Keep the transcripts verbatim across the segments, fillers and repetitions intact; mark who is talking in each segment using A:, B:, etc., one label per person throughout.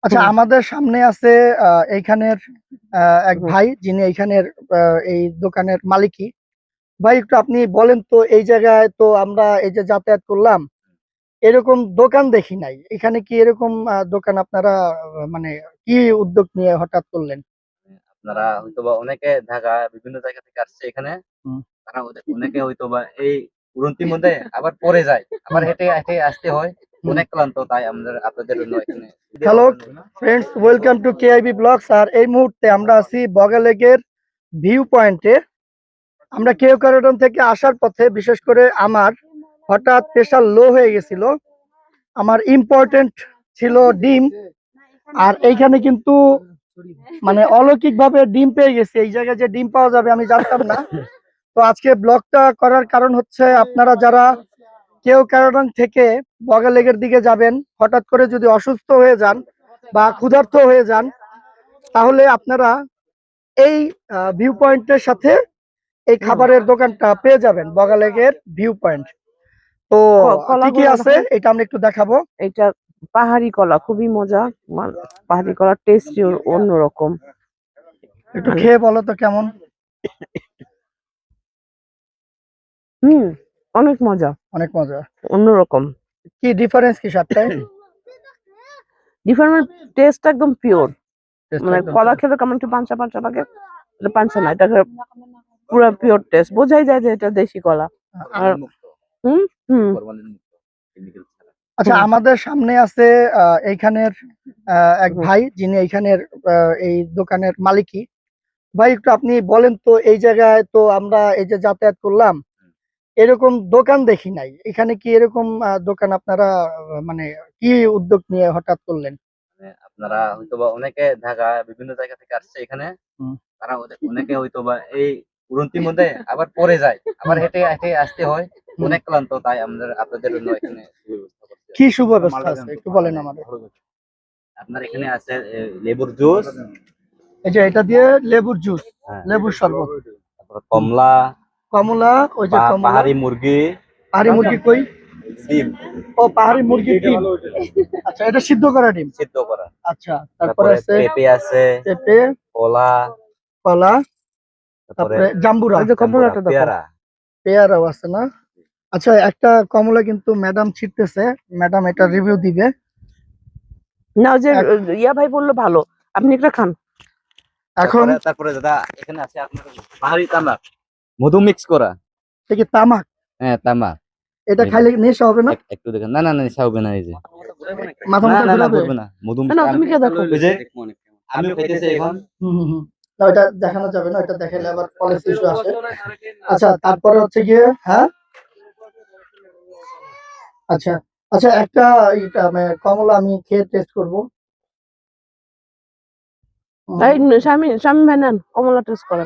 A: আচ্ছা,
B: হুম,
A: আমাদের সামনে আছে আহ, এইখানের আহ, এক
B: হুম।
A: ভাই যিনি এইখানের আহ, এই দোকানের মালিকই। ভাই, একটু আপনি বলেন তো, এই জায়গায় তো আমরা এই যে যাতায়াত করলাম, এরকম দোকান দেখি নাই। এখানে কি এরকম আহ, দোকান আপনারা আহ, মানে কি উদ্যোগ নিয়ে হঠাৎ করলেন?
C: আপনারা হয়তোবা অনেকে ঢাকা বিভিন্ন জায়গা থেকে আসছে এখানে।
A: হুম,
C: তারা ওদের- অনেকে হয়তোবা এই উড়ন্তির মধ্যে আবার পড়ে যায়, আবার
A: হুম,
C: হেঁটে হেঁটে আসতে হয়,
A: হুম।
C: অনেক ক্লান্ত। তাই আমাদের আপনাদের জন্য এখানে
A: hello friends, welcome to KIB blogs. আর এই মুহূর্তে আমরা আছি বগালেকের ভিউ পয়েন্টে। আমরা কেউ কারণ থেকে আসার পথে, বিশেষ করে আমার হঠাৎ প্রেশার লো হয়ে গেছিল। আমার ইম্পর্টেন্ট ছিল ডিম। আর এইখানে কিন্তু মানে অলৌকিক ভাবে ডিম পেয়ে গেছি। এই জায়গায় যে ডিম পাওয়া যাবে আমি জানতাম না। তো আজকে ব্লগটা করার কারণ হচ্ছে, আপনারা যারা কেউ কারণ থেকে বগালেকের দিকে যাবেন, হঠাৎ করে যদি অসুস্থ হয়ে যান বা ক্ষুধার্ত হয়ে যান, তাহলে আপনারা এই ভিউ পয়েন্টের সাথে এই
B: হুম।
A: খাবারের দোকানটা পেয়ে যাবেন, বগালেকের ভিউ পয়েন্ট। তো
B: ক-
A: কি কি
B: কলাগুলো
A: আছে
B: দেখো,
A: এটা আমরা একটু দেখাবো।
B: এটা পাহাড়ি কলা, খুবই মজা। মানে পাহাড়ি কলার টেস্ট অন্যরকম।
A: একটু
B: মানে
A: খেয়ে বলো তো কেমন।
B: হুম, অনেক মজা,
A: অনেক মজা।
B: অন্যরকম।
A: কি ডিফারেন্স কি স্বাদটায়?
B: ডিফারেন্ট টেস্ট, একদম পিওর।
A: টেস্টটা
B: মানে
A: একদম
B: কলা
A: pure।
B: খেলে কেমন একটু পাঞ্চা পাঞ্চা লাগে, এটা পাঞ্চা না, এটা পুরো পিওর টেস্ট, বোঝাই যায় যে এটা দেশি কলা। আর
C: ফরমালিন মুক্ত,
B: হুম হুম
C: ফরমালিন মুক্ত, কেমিক্যাল ছাড়া।
A: আচ্ছা,
B: হুম
A: আমাদের সামনে আছে আহ, এইখানের আহ, এক
B: হুম।
A: ভাই যিনি এইখানের আহ, এই দোকানের মালিকই। ভাই, একটু আপনি বলেন তো, এই জায়গায় তো আমরা এই যে যাতায়াত করলাম, এরকম দোকান দেখি নাই। এখানে কি এরকম আহ, দোকান আপনারা আহ, মানে কি উদ্যোগ নিয়ে হঠাৎ করলেন?
C: মানে আপনারা হয়তোবা অনেকে ঢাকা বিভিন্ন জায়গা থেকে আসছে এখানে।
A: হুম,
C: তারা ওদের- অনেকে হয়তোবা এই উড়ন্তির মধ্যে আবার পড়ে যায়, আবার
A: হুম,
C: হেঁটে হেঁটে আসতে হয়,
A: হুম।
C: অনেক ক্লান্ত। তাই আমাদের আপনাদের জন্য এখানে সুব্যবস্থা করছি।
A: কি সুব্যবস্থা আছে একটু বলেন আমাদের।
C: আপনার এখানে আছে এ, লেবুর জুস,
A: এই যে এটা দিয়ে লেবুর জুস,
C: হ্যাঁ,
A: লেবুর শরবত।
C: তারপর
A: হুম।
C: কমলা,
A: কমলা, ওই যে
C: পা-
A: কমলা।
C: পাহাড়ি মুরগি,
A: পাহাড়ি মুরগি কই?
C: ডিম
A: ও, পাহাড়ি মুরগির ডিম। আচ্ছা, এটা সিদ্ধ করা ডিম।
C: সিদ্ধ করা,
A: আচ্ছা, তারপরে
C: তারপরে
A: আছে
C: পেঁপে আছে,
A: পেঁপে,
C: কলা,
A: কলা,
C: তারপরে
A: তারপরে জাম্বুরা,
B: ওই যে
C: জাম্বুরা,
B: কমলাটা দেখো।
C: পেয়ারা।
A: পেয়ারাও আছে না? আচ্ছা, একটা কমলা কিন্তু ম্যাডাম ছিটতেছে। ম্যাডাম এটা রিভিউ দিবে।
B: না, ওই যে
A: এক-
B: ইয়া ভাই বললো ভালো, আপনি একটা খান।
A: এখন
C: তারপরে তারপরে দাদা এখানে আছে আপনার পাহাড়ি তামাক, মধু মিক্স করা।
A: এটা কি তামাক?
C: হ্যাঁ, তামাক।
A: এটা
C: এই যে,
A: খাইলে নেশা হবে না?
C: এক- একটু দেখেন, না না না নেশা হবে না, এই যে,
A: মাথা
C: না
A: মাথা
C: না না
A: ঘুরাবে?
C: ঘুরবে না, মধু
B: না,
C: মিক্স।
B: না, তুমি খেয়ে দেখো।
C: ওই যে আমিও খাইতেছি এখন।
A: হুম হুম হুম। না, ওটা দেখানো যাবে না, ওটা দেখালে আবার পলিসি ইস্যু আসে। আচ্ছা, তারপরে হচ্ছে গিয়ে, হ্যাঁ, আচ্ছা আচ্ছা, একটা এটা মানে কমলা আমি খেয়ে টেস্ট করবো। হুম,
B: এই স্বামী স্বামী ভাই নেন, কমলা টেস্ট করেন।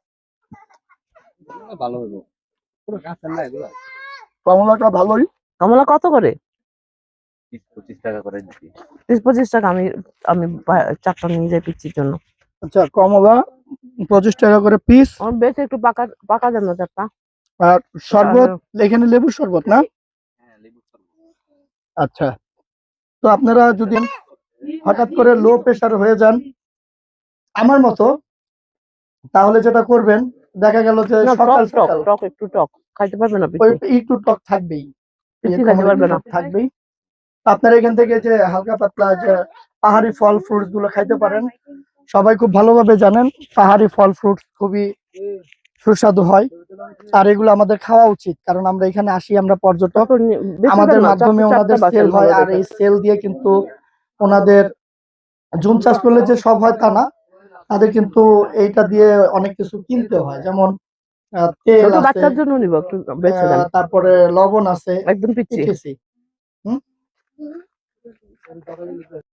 C: ভালো হইব, পুরো গাছের না এগুলা।
A: কমলাটা ভালোই।
B: কমলা কত করে?
C: বিশ পঁচিশ টাকা করে দিচ্ছি।
B: ত্রিশ পঁচিশ টাকা। আমি আমি বা- চারটা নিয়ে যাই পিচ্ছির জন্য।
A: আচ্ছা, কমলা পঁচিশ টাকা করে পিস।
B: আমার বেশ একটু পাকা পাকা দেন না চারটা।
A: আর শরবত, এখানে লেবুর শরবত না?
C: হ্যাঁ, লেবু শরবত।
A: আচ্ছা, তো আপনারা যদি হঠাৎ করে লো প্রেসার হয়ে যান আমার মতো, তাহলে যেটা করবেন, দেখা গেল যে
B: না, টক
A: সকাল
B: টক
A: সকাল
B: টক একটু টক খাইতে পারবে না
A: ওই
B: পিচ্ছি।
A: একটু টক থাকবেই। এই যে
B: পিচ্ছি খাইতে
A: কমলা
B: পারবে
A: একটু
B: না।
A: টক থাকবেই। আপনার এখান থেকে যে হালকা পাতলা যে পাহাড়ি ফল ফ্রুটস গুলো খাইতে পারেন। সবাই খুব ভালোভাবে জানেন পাহাড়ি ফল ফ্রুটস খুবই সুস্বাদু হয়। আর এগুলো আমাদের খাওয়া উচিত, কারণ আমরা এখানে আসি, আমরা পর্যটক।
B: তারপর নি- বেঁচে
A: আমাদের
B: দেন না,
A: মাধ্যমে
B: চারটে চারটা
A: ওনাদের সেল
B: বাঁচেন
A: হয়,
B: ভালো
A: আর
B: দেখে।
A: এই সেল দিয়ে কিন্তু ওনাদের জুম চাষ করলে যে সব হয় তা না। তাদের কিন্তু এইটা দিয়ে অনেক কিছু কিনতে হয়, যেমন আহ, তেল
B: ছোট
A: আছে,
B: বাচ্চার জন্য নিব, একটু বেঁচে দেন।
A: আহ, তারপরে লবণ আছে,
B: একদম পিচ্ছি।
A: ইটিসি। হুম।